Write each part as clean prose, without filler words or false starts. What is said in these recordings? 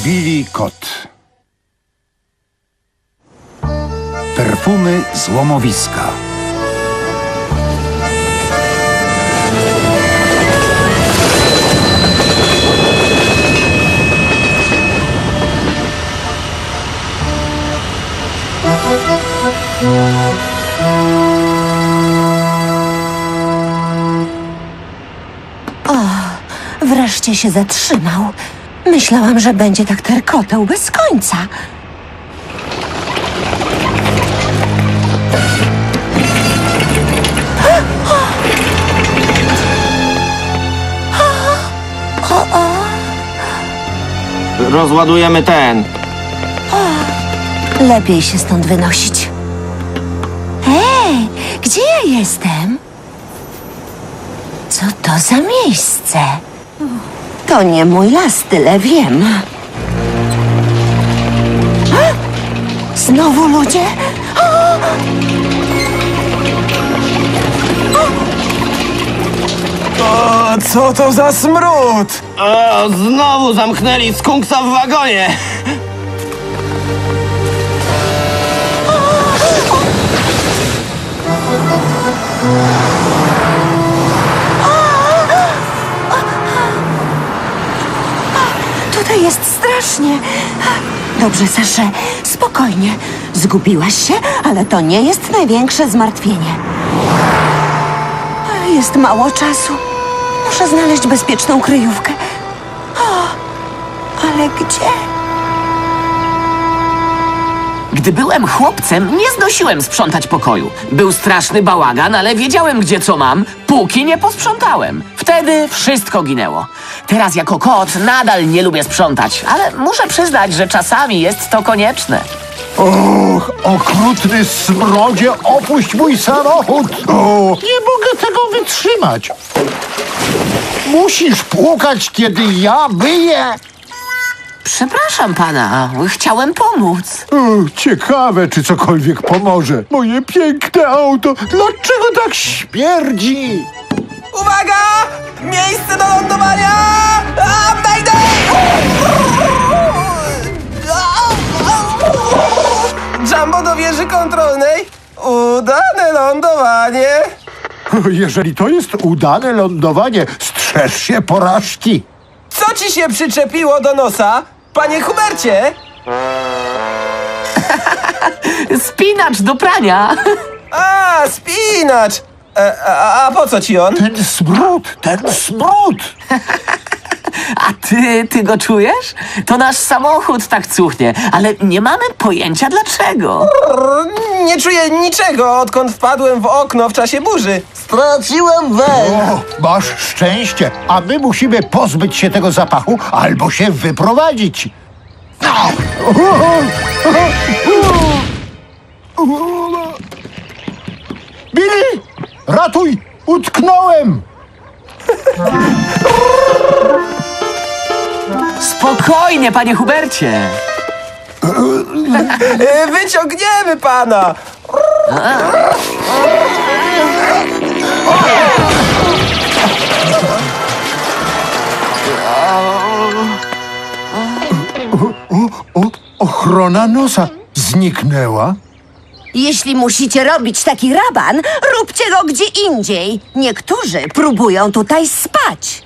Billy Kot. Perfumy złomowiska. Wreszcie się zatrzymał. Myślałam, że będzie tak terkotał bez końca. Rozładujemy ten. Lepiej się stąd wynosić. Hej, gdzie ja jestem? Co to za miejsce? To nie mój las, tyle wiem. Znowu ludzie? O, co to za smród? O, znowu zamknęli skunksa w wagonie. Tutaj jest strasznie. Dobrze, Sasze, spokojnie. Zgubiłaś się, ale to nie jest największe zmartwienie. Jest mało czasu. Muszę znaleźć bezpieczną kryjówkę. Ale gdzie? Gdy byłem chłopcem, nie znosiłem sprzątać pokoju. Był straszny bałagan, ale wiedziałem, gdzie co mam, póki nie posprzątałem. Wtedy wszystko ginęło. Teraz jako kot nadal nie lubię sprzątać, ale muszę przyznać, że czasami jest to konieczne. Och, okrutny smrodzie, opuść mój samochód! O, nie mogę tego wytrzymać. Musisz płukać, kiedy ja myję. Przepraszam pana, chciałem pomóc. Ciekawe, czy cokolwiek pomoże. Moje piękne auto, dlaczego tak śmierdzi? Uwaga! Miejsce do lądowania! Mayday! Jumbo do wieży kontrolnej. Udane lądowanie. Jeżeli to jest udane lądowanie, strzeż się porażki. Co ci się przyczepiło do nosa, panie Hubercie? Spinacz do prania. A, spinacz! A po co ci on? Ten smród! A ty go czujesz? To nasz samochód tak cuchnie, ale nie mamy pojęcia dlaczego. Nie czuję niczego, odkąd wpadłem w okno w czasie burzy. Straciłem węch. O, masz szczęście, a my musimy pozbyć się tego zapachu albo się wyprowadzić. Billy! Ratuj! Utknąłem! Spokojnie, panie Hubercie. Wyciągniemy pana! Ochrona nosa zniknęła. Jeśli musicie robić taki raban, róbcie go gdzie indziej. Niektórzy próbują tutaj spać.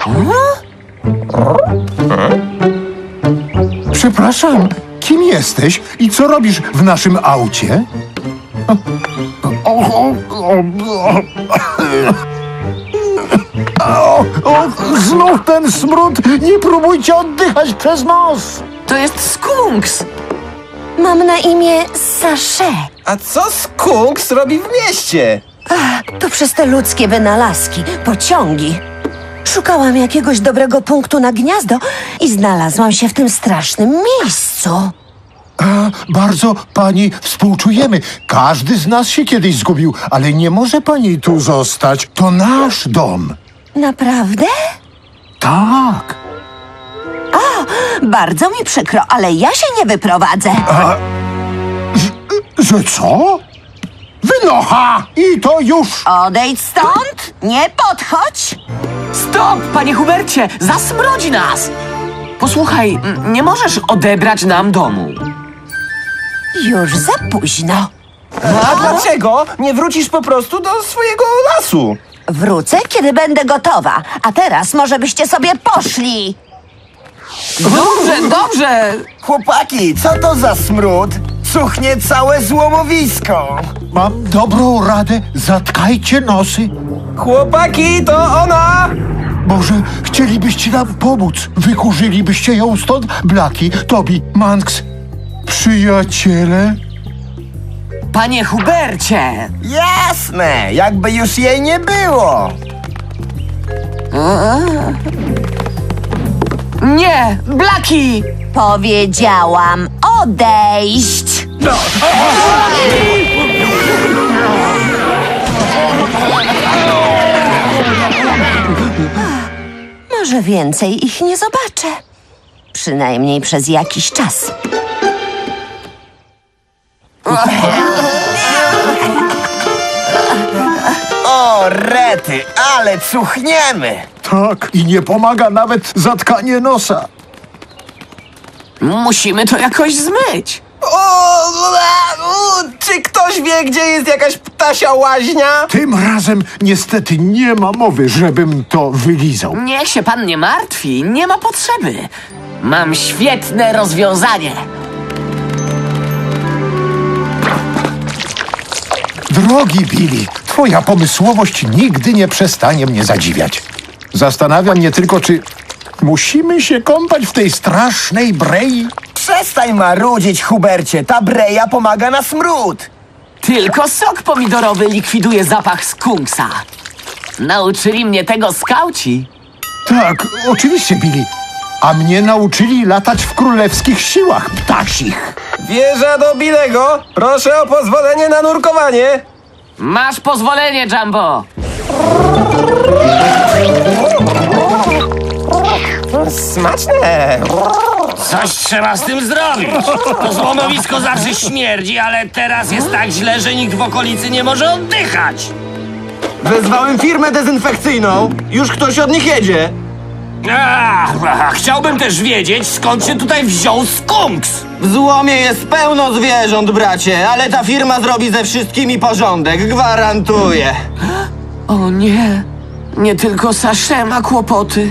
Przepraszam, kim jesteś i co robisz w naszym aucie? Znów ten smród! Nie próbujcie oddychać przez nos! To jest skunks. Mam na imię Sasze. A co skunks robi w mieście? To przez te ludzkie wynalazki, pociągi. Szukałam jakiegoś dobrego punktu na gniazdo i znalazłam się w tym strasznym miejscu. Bardzo pani współczujemy. Każdy z nas się kiedyś zgubił, ale nie może pani tu zostać. To nasz dom. Naprawdę? Tak. Bardzo mi przykro, ale ja się nie wyprowadzę. Że co? Wynocha! I to już! Odejdź stąd! Nie podchodź! Stop, panie Hubercie, zasmrodzi nas. Posłuchaj, nie możesz odebrać nam domu. Już za późno. A dlaczego nie wrócisz po prostu do swojego lasu? Wrócę, kiedy będę gotowa. A teraz może byście sobie poszli. Dobrze, dobrze. Chłopaki, co to za smród? Cuchnie całe złomowisko. Mam dobrą radę, zatkajcie nosy. Chłopaki, to ona! Może chcielibyście nam pomóc? Wykurzylibyście ją stąd? Blaki, Tobi, Manx, przyjaciele? Panie Hubercie. Jasne, jakby już jej nie było. Nie, Blaki. Powiedziałam odejść. Może więcej ich nie zobaczę. Przynajmniej przez jakiś czas. O, rety, ale cuchniemy. Tak, i nie pomaga nawet zatkanie nosa. Musimy to jakoś zmyć. Czy ktoś wie, gdzie jest jakaś ptasia łaźnia? Tym razem niestety nie ma mowy, żebym to wylizał. Niech się pan nie martwi, nie ma potrzeby. Mam świetne rozwiązanie. Drogi Billy, twoja pomysłowość nigdy nie przestanie mnie zadziwiać. Zastanawia mnie tylko, czy musimy się kąpać w tej strasznej brei? Przestań marudzić, Hubercie, ta breja pomaga na smród. Tylko sok pomidorowy likwiduje zapach skunksa. Nauczyli mnie tego skauci. Tak, oczywiście, Billy. A mnie nauczyli latać w królewskich siłach ptasich. Wieża do Bilego, proszę o pozwolenie na nurkowanie. Masz pozwolenie, Jumbo. Smaczne. Coś trzeba z tym zrobić. To złomowisko zawsze śmierdzi, ale teraz jest tak źle, że nikt w okolicy nie może oddychać. Wezwałem firmę dezynfekcyjną. Już ktoś od nich jedzie. Chciałbym też wiedzieć, skąd się tutaj wziął skunks. W złomie jest pełno zwierząt, bracie, ale ta firma zrobi ze wszystkimi porządek, gwarantuję. O nie, nie tylko Sasze ma kłopoty.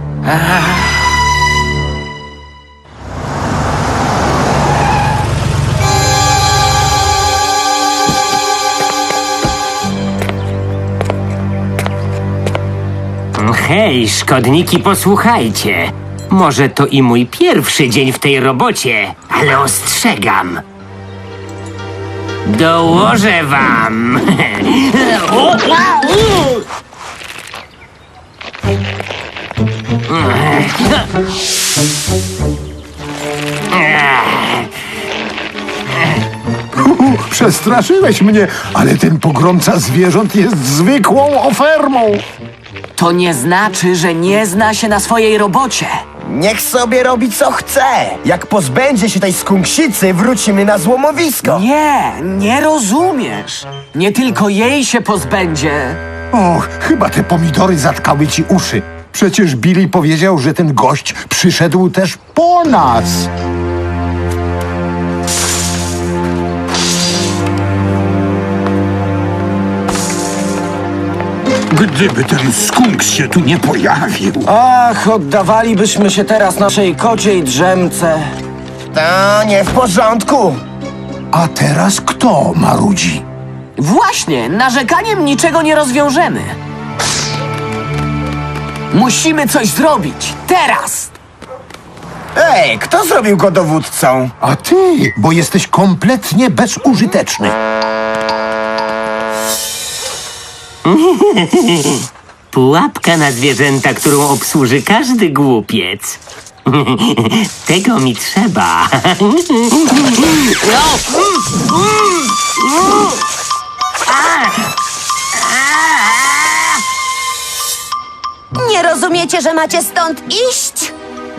Hej, szkodniki, posłuchajcie. Może to i mój pierwszy dzień w tej robocie, ale ostrzegam. Dołożę wam. Przestraszyłeś mnie, ale ten pogromca zwierząt jest zwykłą ofermą. To nie znaczy, że nie zna się na swojej robocie. Niech sobie robi co chce. Jak pozbędzie się tej skunksicy, wrócimy na złomowisko. Nie, nie rozumiesz. Nie tylko jej się pozbędzie. Och, chyba te pomidory zatkały ci uszy. Przecież Billy powiedział, że ten gość przyszedł też po nas. Gdyby ten skunks się tu nie pojawił. Ach, oddawalibyśmy się teraz naszej kociej drzemce. To nie w porządku. A teraz kto marudzi? Właśnie, narzekaniem niczego nie rozwiążemy. Musimy coś zrobić. Teraz! Ej, kto zrobił go dowódcą? A ty, bo jesteś kompletnie bezużyteczny. Pułapka na zwierzęta, którą obsłuży każdy głupiec. Tego mi trzeba. Nie rozumiecie, że macie stąd iść?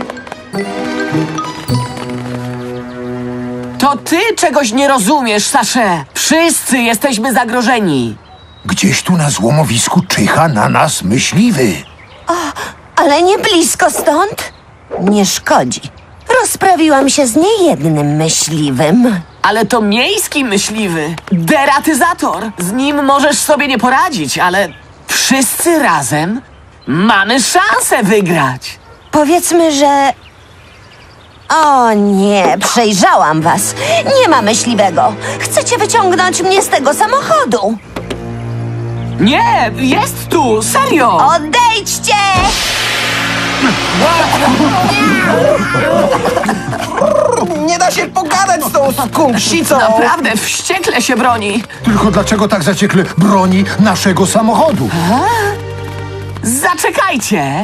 To ty czegoś nie rozumiesz, Sasze. Wszyscy jesteśmy zagrożeni. Gdzieś tu na złomowisku czyha na nas myśliwy. Ale nie blisko stąd. Nie szkodzi. Rozprawiłam się z niejednym myśliwym. Ale to miejski myśliwy. Deratyzator. Z nim możesz sobie nie poradzić, ale wszyscy razem mamy szansę wygrać. Powiedzmy, że... O nie, przejrzałam was. Nie ma myśliwego. Chcecie wyciągnąć mnie z tego samochodu. Nie, jest tu, serio. Odejdźcie! Nie da się pogadać z tą skunksicą! Naprawdę wściekle się broni. Tylko dlaczego tak zaciekle broni naszego samochodu? Zaczekajcie.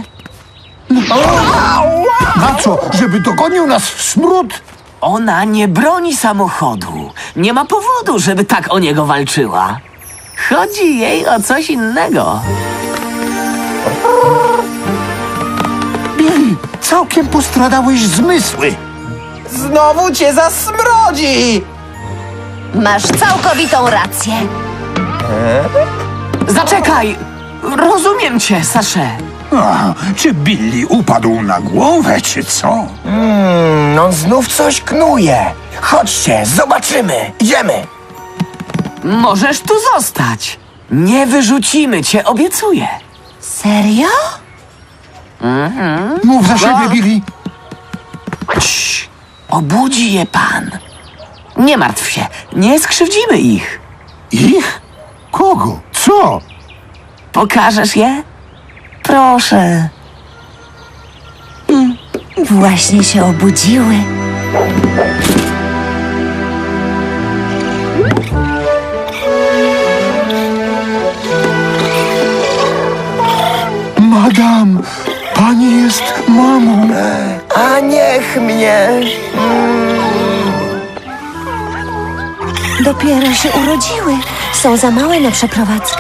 Na co? Żeby dogonił nas smród? Ona nie broni samochodu. Nie ma powodu, żeby tak o niego walczyła. Chodzi jej o coś innego. Billy, całkiem postradałeś zmysły. Znowu cię zasmrodzi! Masz całkowitą rację. Zaczekaj! Rozumiem cię, Sasze. A, czy Billy upadł na głowę, czy co? On znów coś knuje. Chodźcie, zobaczymy. Idziemy. Możesz tu zostać. Nie wyrzucimy cię, obiecuję. Serio? Mów za siebie, Billy. Cii, obudzi je pan. Nie martw się, nie skrzywdzimy ich. Ich? Kogo? Co? Pokażesz je? Proszę. Właśnie się obudziły. Madam, pani jest mamą. A niech mnie. Dopiero się urodziły. Są za małe na przeprowadzkę.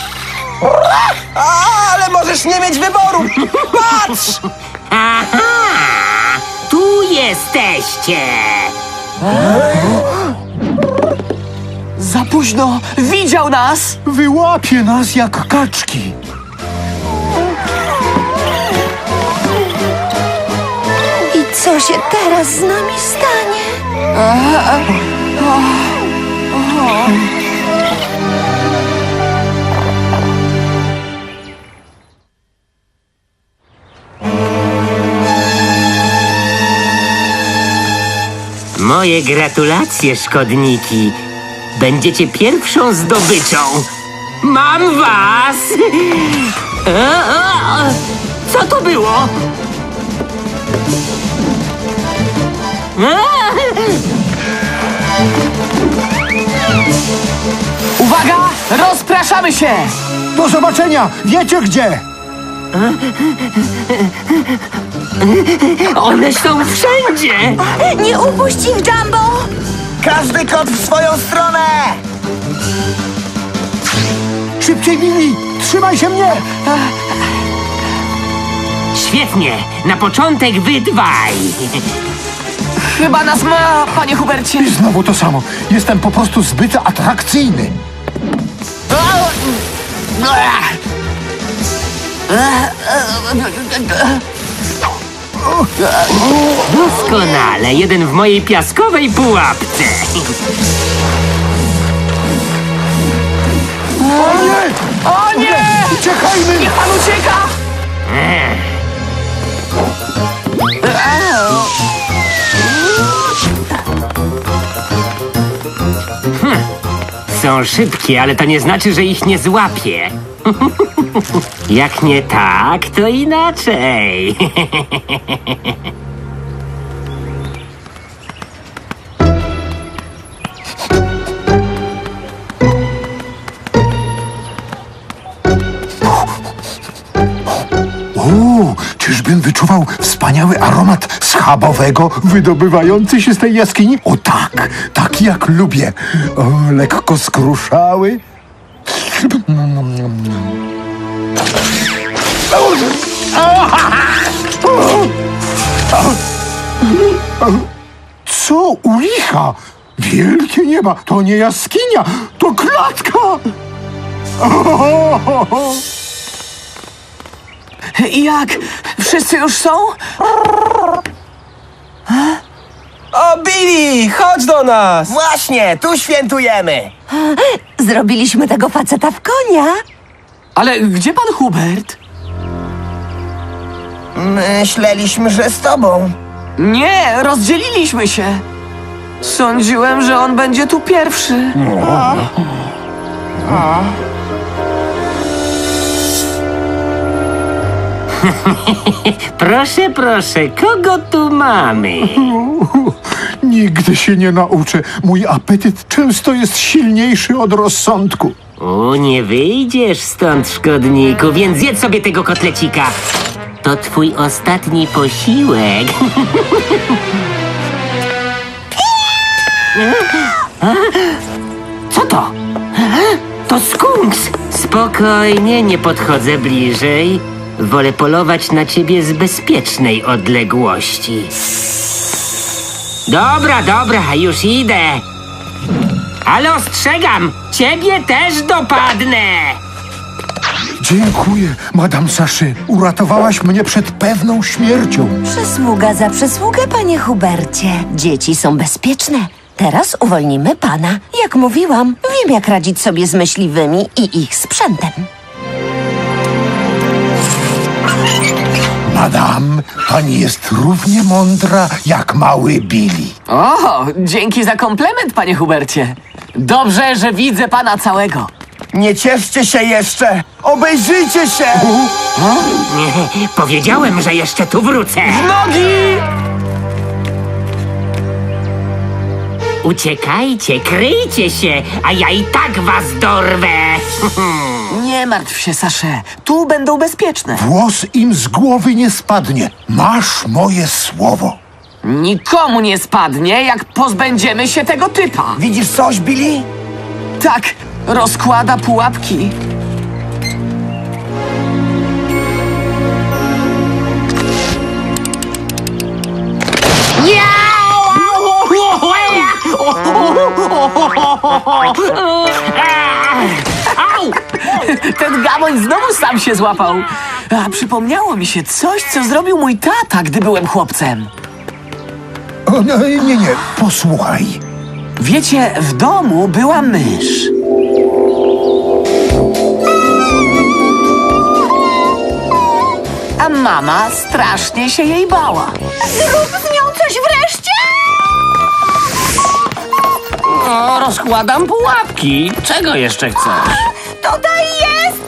Ale możesz nie mieć wyboru! Patrz! Aha! Tu jesteście! Za późno, widział nas. Wyłapie nas jak kaczki. I co się teraz z nami stanie? Moje gratulacje, szkodniki. Będziecie pierwszą zdobyczą. Mam was! Co to było? Uwaga, rozpraszamy się. Do zobaczenia! Wiecie gdzie? One są wszędzie! Nie upuść ich, Jumbo! Każdy kot w swoją stronę. Szybciej, Billy! Trzymaj się mnie! Świetnie! Na początek wy dwaj! Chyba nas ma, panie Hubercie. I znowu to samo. Jestem po prostu zbyt atrakcyjny. Doskonale, jeden w mojej piaskowej pułapce. O nie! O nie! Uciekajmy! Niech pan ucieka! Są szybkie, ale to nie znaczy, że ich nie złapię. Jak nie tak, to inaczej. Czyżbym wyczuwał wspaniały aromat schabowego wydobywający się z tej jaskini? O tak, tak jak lubię. O, lekko skruszały. Co u licha? Wielkie nieba, to nie jaskinia, to klatka! Jak? Wszyscy już są? O, Billy, chodź do nas! Właśnie, tu świętujemy. Zrobiliśmy tego faceta w konia. Ale gdzie pan Hubert? Myśleliśmy, że z tobą. Nie, rozdzieliliśmy się. Sądziłem, że on będzie tu pierwszy. Proszę, proszę, kogo tu mamy? Nigdy się nie nauczę. Mój apetyt często jest silniejszy od rozsądku. O, nie wyjdziesz stąd, szkodniku, więc zjedz sobie tego kotlecika. To twój ostatni posiłek. Co to? To skunks! Spokojnie, nie podchodzę bliżej. Wolę polować na ciebie z bezpiecznej odległości. Dobra, dobra, już idę. Ale ostrzegam, ciebie też dopadnę! Dziękuję, Madame Saszy. Uratowałaś mnie przed pewną śmiercią. Przysługa za przysługę, panie Hubercie. Dzieci są bezpieczne. Teraz uwolnimy pana. Jak mówiłam, wiem, jak radzić sobie z myśliwymi i ich sprzętem. Madame, pani jest równie mądra jak mały Billy. O, dzięki za komplement, panie Hubercie. Dobrze, że widzę pana całego. Nie cieszcie się jeszcze! Obejrzyjcie się! Powiedziałem, że jeszcze tu wrócę. Nogi! Uciekajcie, kryjcie się, a ja i tak was dorwę. Nie martw się, Sasze. Tu będą bezpieczne. Włos im z głowy nie spadnie. Masz moje słowo. Nikomu nie spadnie, jak pozbędziemy się tego typa. Widzisz coś, Billy? Tak, rozkłada pułapki. Au! Ten gamoń znowu sam się złapał. A przypomniało mi się coś, co zrobił mój tata, gdy byłem chłopcem. O, nie, posłuchaj. Wiecie, w domu była mysz. A mama strasznie się jej bała. Zrób z nią coś wreszcie! No, rozkładam pułapki. Czego jeszcze chcesz? Tutaj jest!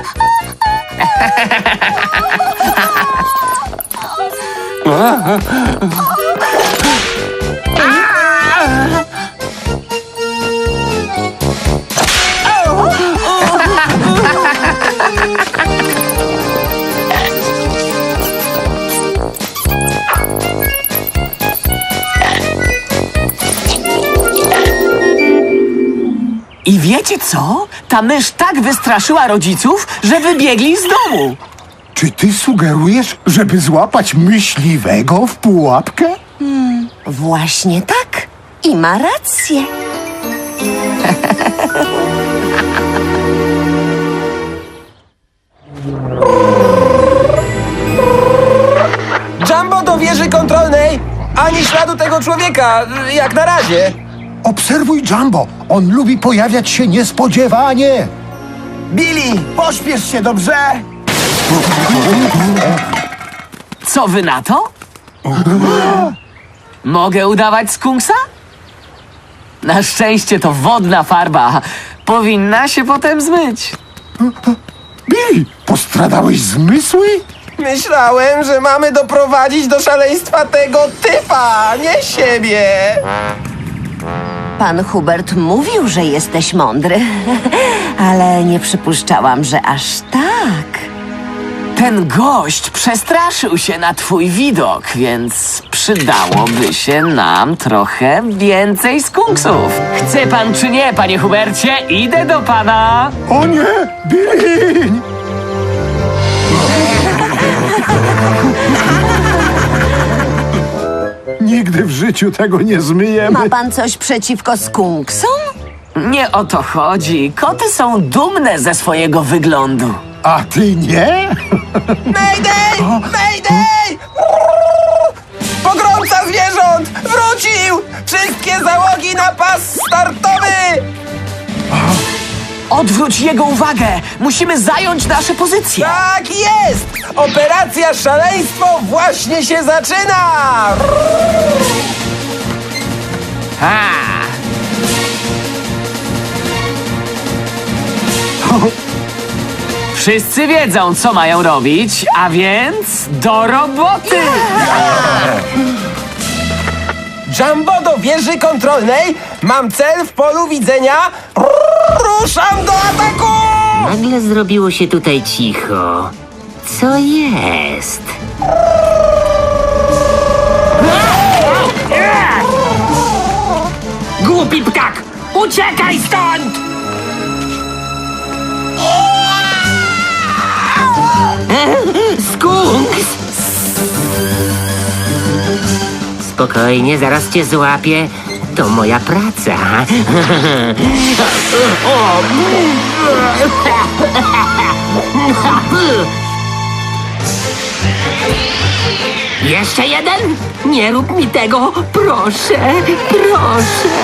I wiecie co? Ta mysz tak wystraszyła rodziców, że wybiegli z domu. Czy ty sugerujesz, żeby złapać myśliwego w pułapkę? Właśnie tak. I ma rację. Jumbo do wieży kontrolnej! Ani śladu tego człowieka, jak na razie. Obserwuj Jumbo. On lubi pojawiać się niespodziewanie. Billy, pośpiesz się, dobrze? Co wy na to? Mogę udawać skunksa? Na szczęście to wodna farba. Powinna się potem zmyć. Billy, postradałeś zmysły? Myślałem, że mamy doprowadzić do szaleństwa tego typa, nie siebie. Pan Hubert mówił, że jesteś mądry, ale nie przypuszczałam, że aż tak. Ten gość przestraszył się na twój widok, więc przydałoby się nam trochę więcej skunksów. Chce pan czy nie, panie Hubercie? Idę do pana. O nie, Billy! Nigdy w życiu tego nie zmyjemy. Ma pan coś przeciwko skunksom? Nie o to chodzi. Koty są dumne ze swojego wyglądu. A ty nie? Mayday! Mayday! Pogromca zwierząt! Wrócił! Wszystkie załogi na pas startowy! Odwróć jego uwagę! Musimy zająć nasze pozycje! Tak jest! Operacja Szaleństwo właśnie się zaczyna! Ha! Wszyscy wiedzą, co mają robić, a więc do roboty! Jumbo do wieży kontrolnej! Mam cel w polu widzenia! Ruszam do ataku! Nagle zrobiło się tutaj cicho. Co jest? Głupi ptak! Uciekaj stąd! Skunks! Spokojnie, zaraz cię złapię. To moja praca. Jeszcze jeden? Nie rób mi tego, proszę, proszę.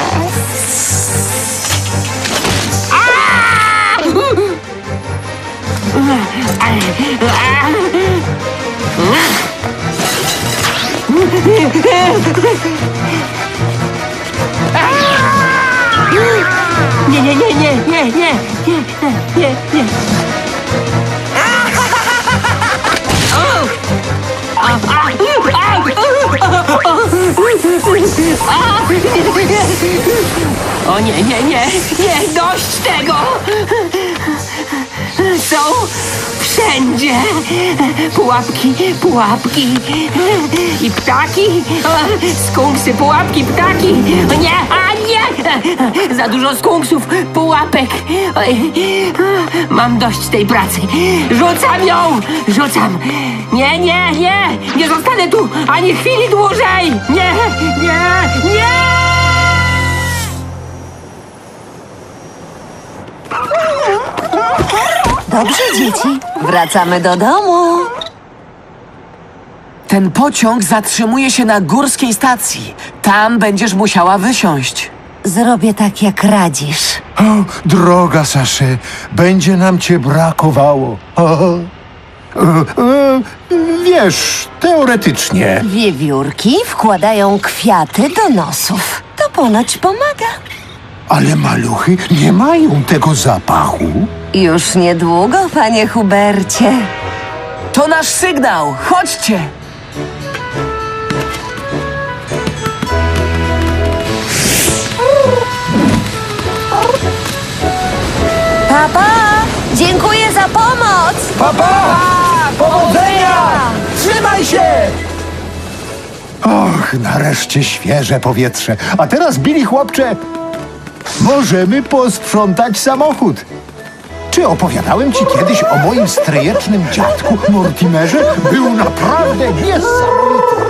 Nie, nie, nie, nie, nie, nie, nie, nie, nie. O nie, nie, nie, nie, dość tego! Są wszędzie pułapki, pułapki i ptaki, skunksy, pułapki, ptaki. Nie, a nie! Za dużo skunksów, pułapek. Mam dość tej pracy. Rzucam ją! Rzucam! Nie, nie, nie! Nie zostanę tu ani chwili dłużej! Nie, nie, nie! Dobrze, dzieci. Wracamy do domu. Ten pociąg zatrzymuje się na górskiej stacji. Tam będziesz musiała wysiąść. Zrobię tak, jak radzisz. O, droga Saszy, będzie nam cię brakowało. Wiesz, teoretycznie. Wiewiórki wkładają kwiaty do nosów. To ponoć pomaga. Ale maluchy nie mają tego zapachu. Już niedługo, panie Hubercie. To nasz sygnał! Chodźcie! Papa, dziękuję za pomoc. Papa! Powodzenia! Trzymaj się! Och, nareszcie świeże powietrze. A teraz, Billy chłopcze, możemy posprzątać samochód. Czy opowiadałem ci kiedyś o moim stryjecznym dziadku Mortimerze? Był naprawdę niesamowity.